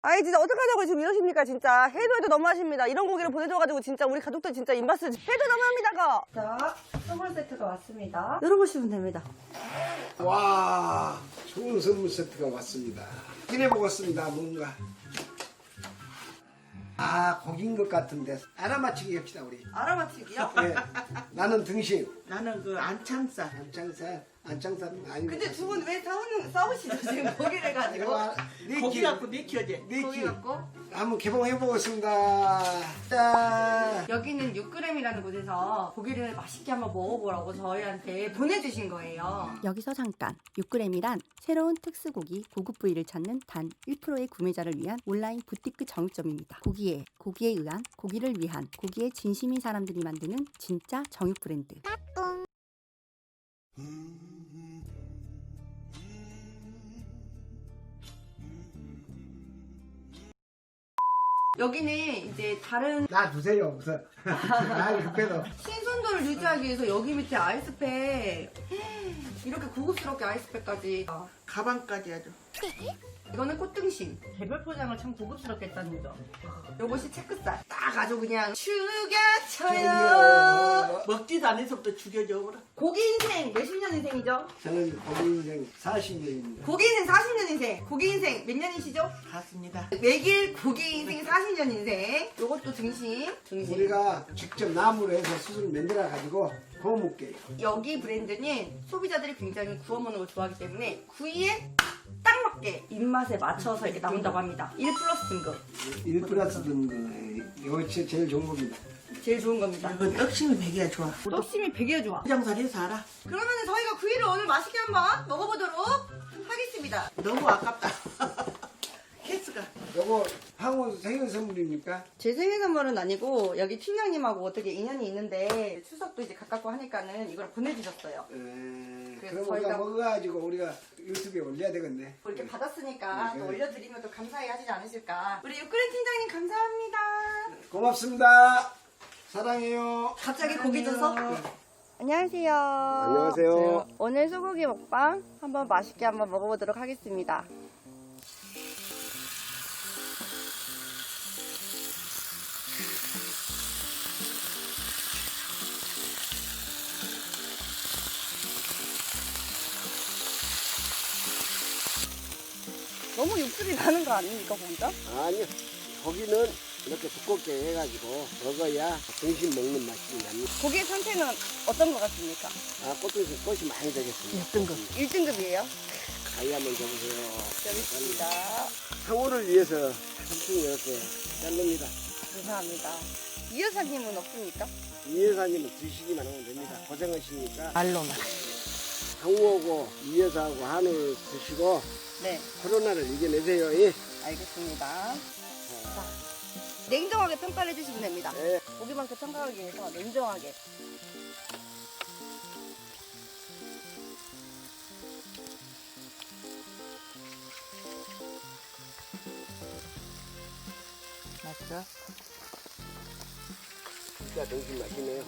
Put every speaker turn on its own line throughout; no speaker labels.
아이 진짜 어떡하자고 지금 이러십니까 진짜. 해도 너무하십니다. 이런 고기를 보내줘가지고 진짜 우리 가족들 진짜 입맛을 해도 너무합니다 거. 자, 선물 세트가 왔습니다. 열어보시면 됩니다.
와, 좋은 선물 세트가 왔습니다. 기대 먹었습니다. 뭔가. 아, 고기인 것 같은데 알아맞히기 합시다 우리.
알아맞히기요?
네. 나는 등심,
나는 그 안창살.
안창살 아니고.
근데 두 분 왜 싸우시죠 지금 고기를 가지고?
고기 갖고 내키어제.
고기 갖고?
한번 개봉해 보겠습니다. 짠.
여기는 6g이라는 곳에서 고기를 맛있게 한번 먹어보라고 저희한테 보내주신 거예요.
여기서 잠깐 6g이란 새로운 특수고기 고급 부위를 찾는 단 1%의 구매자를 위한 온라인 부티크 정육점입니다. 고기에 의한 고기를 위한 고기에 진심인 사람들이 만드는 진짜 정육 브랜드.
여기는 이제 다른
나 주세요 우선. 아, 급해도.
신선도를 유지하기 위해서 여기 밑에 아이스팩 이렇게 고급스럽게 아이스팩까지.
가방까지 아주.
이거는 꽃등심. 개별 포장을 참 고급스럽게 했다는 점. 요것이 체크살. 딱 아주 그냥 죽여쳐요.
먹지도 않아서부터 죽여줘 버려.
고기 인생 몇십 년 인생이죠?
저는 고기 인생 40년입니다.
고기 인생 40년 인생. 고기 인생 몇 년이시죠?
갔습니다.
매길 고기 인생 40년 인생. 요것도 등심.
우리가 직접 나무로 해서 수술 만들어 가지고 구워 먹게요.
여기 브랜드는 소비자들이 굉장히 구워 먹는 걸 좋아하기 때문에 구이에 딱 맞게 입맛에 맞춰서 이렇게 나온다고 합니다. 1 플러스 등급.
1 플러스 등급. 이거 제일 좋은 겁니다.
제일 좋은 겁니다.
이건 떡심이 배기가 좋아.
떡심이 되게 좋아.
포장살 해서 알아.
그러면 저희가 구이를 오늘 맛있게 한번 먹어보도록 하겠습니다.
너무 아깝다. 케이스가.
요거 황후 생일 선물입니까?
제 생일 선물은 아니고 여기 팀장님하고 어떻게 인연이 있는데 추석도 이제 가깝고 하니까는 이걸 보내주셨어요. 그래서
그럼 우리가
저희가
먹어가지고 우리가 유튜브에 올려야 되겠네.
이렇게 받았으니까
네.
또 올려드리면 또 감사해 하시지 않으실까. 우리 육그린 팀장님 감사합니다.
고맙습니다. 사랑해요.
갑자기 고기 줘서. 안녕하세요.
안녕하세요.
오늘 소고기 먹방 한번 맛있게 한번 먹어보도록 하겠습니다. 너무 육즙이 나는 거 아닙니까, 고기가?
아니요. 고기는 이렇게 두껍게 해가지고 먹어야 등심 먹는 맛이 납니다.
고기의 상태는 어떤 것 같습니까?
아, 꽃이 많이 되겠습니다.
1등급.
1등급이에요.
가위 한번 줘보세요.
여기 있습니다.
상호를 위해서 삼촌 이렇게 자릅니다.
감사합니다. 이 여사님은 없습니까?
이 여사님은 드시기만 하면 됩니다. 고생하시니까
말로만.
상호하고 이 여사하고 한우를 드시고
네,
코로나를 이겨내세요. 예.
알겠습니다. 자, 냉정하게 평가를 해주시면 됩니다.
네.
고기만큼 평가하기 위해서 냉정하게.
맞죠?
진짜 등심 맛이네요.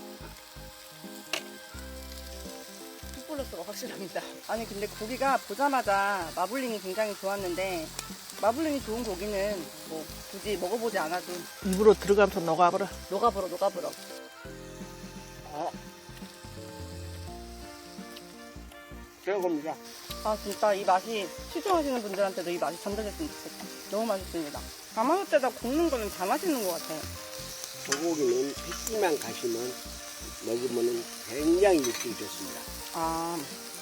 풋플러스가 확실합니다. 아니 근데 고기가 보자마자 마블링이 굉장히 좋았는데 마블링이 좋은 고기는 뭐 굳이 먹어보지 않아도
입으로 들어가면서 녹아버려.
녹아버려.
최고입니다.
아 진짜 이 맛이 시청하시는 분들한테도 이 맛이 전달됐으면 좋겠다. 너무 맛있습니다. 가마솥에다 굽는 거는 다 맛있는 것 같아요.
소고기는 핏기만 가시면 먹으면 굉장히 육질이 좋습니다.
아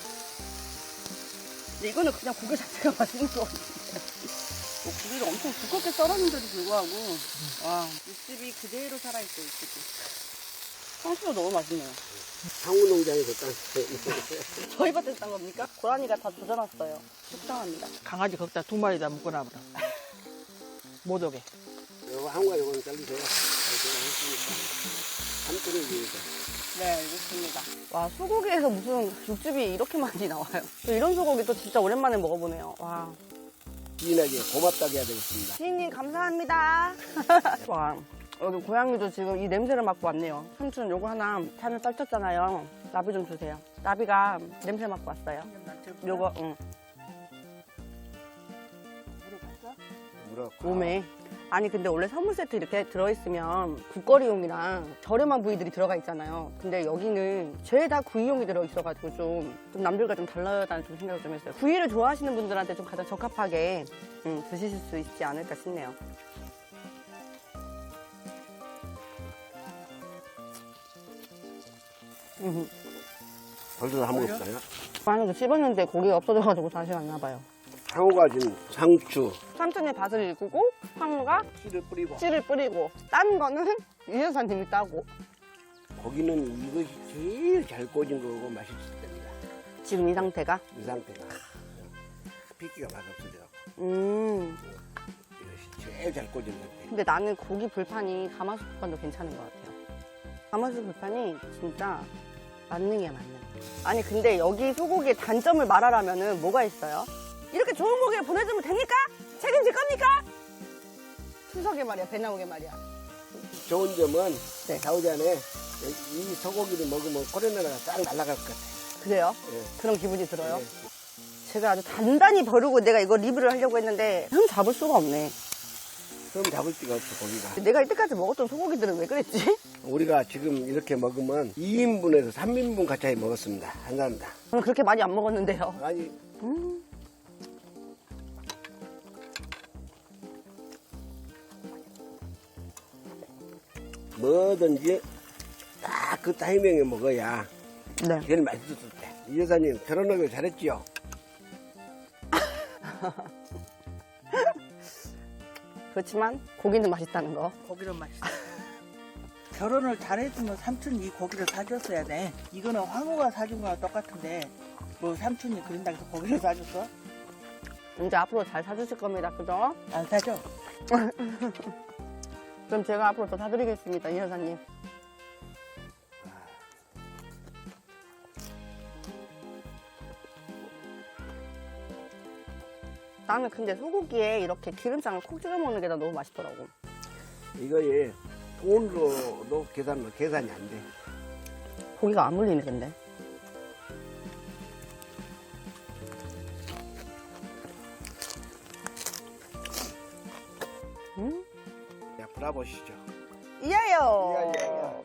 근데 이거는 그냥 고기 자체가 맛있는 것 같아요. 뭐 고기를 엄청 두껍게 썰었는데도 불구하고 와 육즙이 그대로 살아있어 육즙이. 상추도 너무 맛있네요.
상우 농장에서 딴
저희 밭에서 딴 겁니까? 고라니가 다 조져놨어요. 속상합니다.
강아지 거기다 2마리 묶어놔버려. 못 오게.
요거 한과 요거는 잘리세요. 제가 했으니까 삼촌을 위해서.
네, 알겠습니다. 와, 소고기에서 무슨 육즙이 이렇게 많이 나와요. 또 이런 소고기 또 진짜 오랜만에 먹어보네요. 와.
지인에게 고맙다고 해야 되겠습니다.
지인님, 감사합니다. 와, 여기 고양이도 지금 이 냄새를 맡고 왔네요. 삼촌, 요거 하나 산을 떨쳤잖아요. 나비 좀 주세요. 나비가 냄새 맡고 왔어요. 요거, 응.
그렇고.
몸에. 아니 근데 원래 선물 세트 이렇게 들어있으면 국거리용이랑 저렴한 부위들이 들어가 있잖아요. 근데 여기는 죄다 구이용이 들어있어가지고 좀 남들과 좀 달라다는 좀 생각을 좀 했어요. 구이를 좋아하시는 분들한테 좀 가장 적합하게 드실 수 있지 않을까 싶네요.
벌써 다 먹었어요?
안에도 씹었는데 고기가 없어져가지고 다시 왔나 봐요.
상호가 준 상추.
삼촌의 밭을 일구고 황우가
씨를 뿌리고.
씨를 뿌리고 딴 거는 유 여사님이 따고.
고기는 이것이 제일 잘 꽂은 거고 맛있을 때입니다.
지금 이 상태가
이 상태가. 핏기가 맛없어져갖고. 이것이 제일 잘 꽂은 상태.
근데 나는 고기 불판이 가마솥 불판도 괜찮은 것 같아요. 가마솥 불판이 진짜 만능이야, 만능. 아니 근데 여기 소고기의 단점을 말하라면은 뭐가 있어요? 이렇게 좋은 고기를 보내주면 됩니까? 책임질 겁니까? 추석에 말이야, 배 나오게 말이야.
좋은 점은
네.
나오지 않아. 이 소고기를 먹으면 코로나가 싹 날아갈 것 같아.
그래요?
네.
그런 기분이 들어요?
네.
제가 아주 단단히 벼르고 내가 이거 리뷰를 하려고 했는데 흠 잡을 수가 없네.
그럼 잡을 수가 없어, 고기가.
내가 이때까지 먹었던 소고기들은 왜 그랬지?
우리가 지금 이렇게 먹으면 2인분에서 3인분 가까이 먹었습니다. 한 사람당.
저는 그렇게 많이 안 먹었는데요.
아니, 뭐든지 딱 그 타이밍에 먹어야
네.
제일 맛있었을 때. 이 여사님 결혼하길 잘했지요?
그렇지만 고기는 맛있다는 거.
고기는 맛있어. 결혼을 잘했으면 삼촌이 이 고기를 사줬어야 돼. 이거는 황후가 사준 거랑 똑같은데 뭐 삼촌이 그린다고 해서 고기를 사줬어?
이제 앞으로 잘 사주실 겁니다. 그죠?
안 사줘.
그럼 제가 앞으로 더 사드리겠습니다. 이 여사님. 나는 근데 소고기에 이렇게 기름장을 콕 찍어 먹는 게 나 너무 맛있더라고.
이거에 돈으로도 계산이 안 돼.
고기가 안 물리네 근데.
자, 불어보시죠.
이하요.
이하요.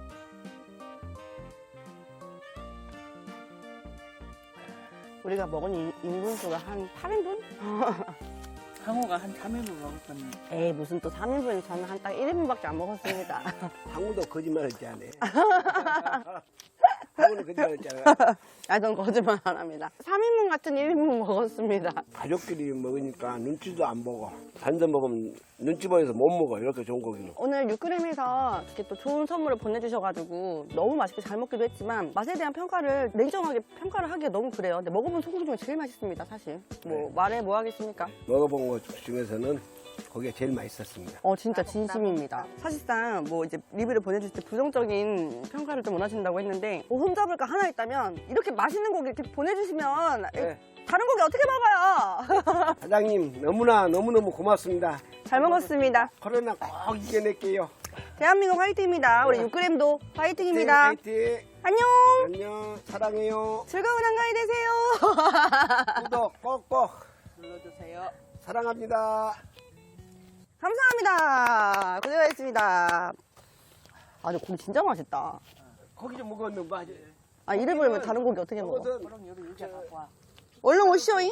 우리가 먹은 인분수가 한 8인분?
황후가 한 3일을 먹었거든.
에이 무슨 또 3인분, 저는 한 딱 1인분밖에 안 먹었습니다.
항우도 거짓말했지 않아. 항우는 거짓말했잖아.
아, 전 거짓말 안 합니다. 3인분 같은 1인분 먹었습니다.
가족끼리 먹으니까 눈치도 안 보고 단서 먹으면 눈치 보여서 못 먹어. 이렇게 좋은 고기는.
오늘 6g에서 이렇게 또 좋은 선물을 보내주셔가지고 너무 맛있게 잘 먹기도 했지만 맛에 대한 평가를 냉정하게 평가를 하기가 너무 그래요. 근데 먹어본 소고기 중에 제일 맛있습니다, 사실. 뭐 말해 뭐 하겠습니까?
먹어본 것 중에서는 거기가 제일 맛있었습니다.
진짜 진심입니다. 사실상 뭐 이제 리뷰를 보내주실 때 부정적인 평가를 좀 원하신다고 했는데 뭐 흠잡을 거 하나 있다면 이렇게 맛있는 고기 이렇게 보내주시면
네.
다른 고기 어떻게 먹어요?
사장님 너무너무 고맙습니다.
잘 먹었습니다.
코로나 꼭 이겨낼게요.
대한민국 화이팅입니다. 우리 6g도 화이팅입니다.
화이팅!
안녕.
안녕. 사랑해요.
즐거운 한가위 되세요.
구독 꼭꼭
눌러주세요.
사랑합니다.
감사합니다. 고생하셨습니다. 아, 근데 고기 진짜 맛있다.
고기 좀 먹었는 봐.
아, 이래 버리면 다른 고기 어떻게 먹어?
먹어서
그럼 여기 의자 갖고 와.
얼른 오시오잉.